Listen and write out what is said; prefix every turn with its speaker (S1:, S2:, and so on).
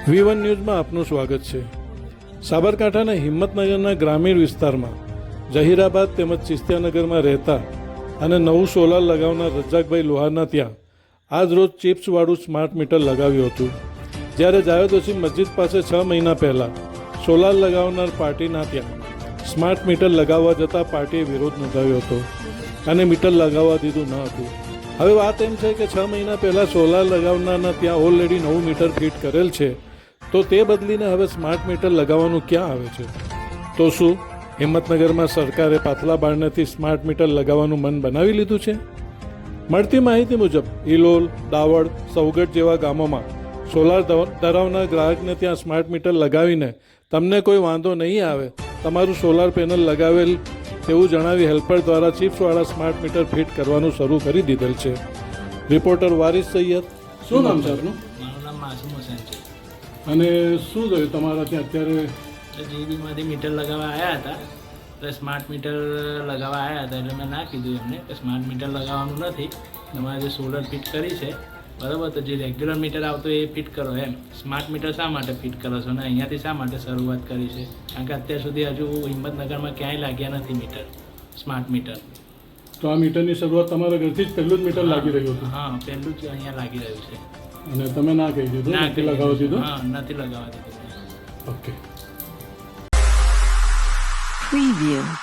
S1: V1 ન્યૂઝમાં આપનું સ્વાગત છે। સાબરકાંઠાના હિંમતનગરના ગ્રામીણ વિસ્તારમાં જહીરાબાદ તેમજ ચિસ્તિયાનગરમાં રહેતા અને નવું સોલાર લગાવનાર રજાકભાઈ લોહારના ત્યાં આજ રોજ ચિપ્સવાળું સ્માર્ટ મીટર લગાવ્યું હતું। જ્યારે જાવેદોશી મસ્જિદ પાસે 6 મહિના પહેલાં સોલાર લગાવનાર પાર્ટીના ત્યાં સ્માર્ટ મીટર લગાવવા જતાં પાર્ટીએ વિરોધ નોંધાવ્યો હતો અને મીટર લગાવવા દીધું ન હતું। હવે વાત એમ છે કે 6 મહિના પહેલાં સોલાર લગાવનારના ત્યાં ઓલરેડી નવું મીટર ફિટ કરેલ છે, તો તે બદલીને હવે સ્માર્ટ મીટર લગાવવાનું ક્યાં આવે છે? તો શું હિંમતનગરમાં સરકારે પાછલા બારણેથી સ્માર્ટ મીટર લગાવવાનું મન બનાવી લીધું છે? મળતી માહિતી મુજબ ઇલોલ, દાવડ, સૌગટ જેવા ગામોમાં સોલાર ધરાવનાર ગ્રાહકને ત્યાં સ્માર્ટ મીટર લગાવીને તમને કોઈ વાંધો નહીં આવે, તમારું સોલાર પેનલ લગાવેલ તેવું જણાવી હેલ્પર દ્વારા ચિપ્સવાળા સ્માર્ટ મીટર ફિટ કરવાનું શરૂ કરી દીધેલ છે। રિપોર્ટર વારિસ સૈયદ, શું નામ છે આપનું?
S2: મારું નામ માસુમ હુસૈન છે।
S1: અને શું થયું તમારા ત્યાં અત્યારે?
S2: જીબીમાંથી મીટર લગાવવા આવ્યા હતા, એટલે સ્માર્ટ મીટર લગાવવા આવ્યા હતા એટલે મેં ના કીધું એમને કે સ્માર્ટ મીટર લગાવવાનું નથી, તમારે જે સોલર ફિટ કરી છે બરાબર, તો જે રેગ્યુલર મીટર આવતો એ ફિટ કરો એમ। સ્માર્ટ મીટર શા માટે ફિટ કરો છો અને અહીંયાથી શા માટે શરૂઆત કરી છે? કારણ કે અત્યાર સુધી હજુ હિંમતનગરમાં ક્યાંય લાગ્યા નથી મીટર, સ્માર્ટ મીટર।
S1: તો આ મીટરની શરૂઆત તમારા ઘરથી જ પહેલું જ મીટર લાગી રહ્યું હતું?
S2: હા, પહેલું જ અહીંયા લાગી રહ્યું છે।
S1: અને તમે ના કહી દીધું, નથી લગાવવા દીધું?
S2: હા, નથી લગાવવા દીધું।
S1: ઓકે।
S3: Preview.